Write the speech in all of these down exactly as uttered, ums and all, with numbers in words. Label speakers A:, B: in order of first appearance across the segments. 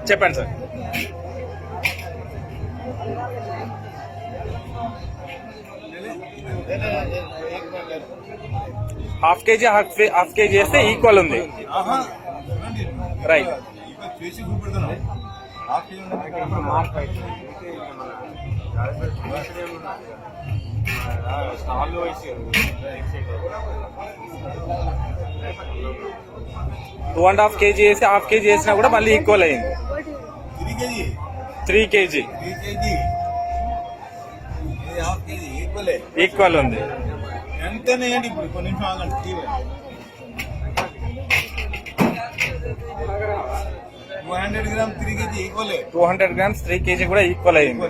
A: చెప్పండి sir. Half KG half half KG వేస్తే equal ఉంది. Right. Two and half KG వేసి హాఫ్ కేజీ వేసినా కూడా మళ్ళీ ఈక్వల్ అయింది. త్రీ కేజీ ఈక్వల్ ఉంది.
B: ఎంతనేయండి ఇప్పుడు కొన్ని నిమిషం ఆగండి. Two hundred gram three KG equal.
A: Two hundred grams three KG కూడా ఈక్వల్ అయింది.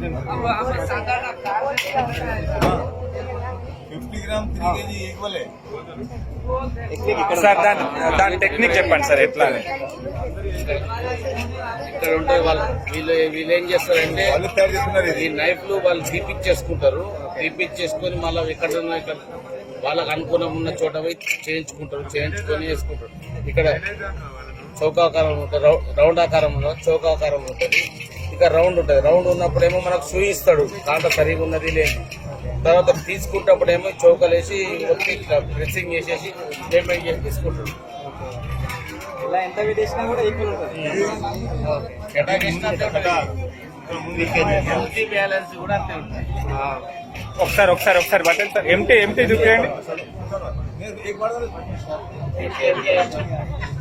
B: Fifty gram three KG equal.
A: Sir దాని దాని టెక్నిక్ చెప్పండి సార్ ఎట్లా అని.
C: ఇక్కడ ఉంటే వాళ్ళు వీళ్ళు వీళ్ళు ఏం చేస్తారంటే ఈ నైఫ్లు వాళ్ళు రీపిచ్ చేసుకుంటారు. రీపిచ్ చేసుకొని మళ్ళీ ఎక్కడ ఇక్కడ వాళ్ళకు అనుకూలం ఉన్న చోట పోయి చేయించుకుంటారు. చేయించుకొని వేసుకుంటారు. ఇక్కడ చౌకాకారం ఉంటుంది, రౌండ్ ఆకారంలో చౌకాకారం ఉంటుంది. ఇక రౌండ్ ఉంటుంది. రౌండ్ ఉన్నప్పుడేమో మనకు చూయిస్తాడు కాంట సరిగా ఉన్నది లేదు. తర్వాత తీసుకుంటప్పుడేమో చౌకలేసి ఒత్తి ప్రెస్సింగ్ చేసేసి పేమెంట్ చేసి తీసుకుంటాడు. బ్యాలెన్స్ కూడా అంతే ఉంటుంది.
A: ఒకసారి ఒకసారి ఒకసారి బట్టండి సార్. ఎంటీ ఎంటీ చూపించండి.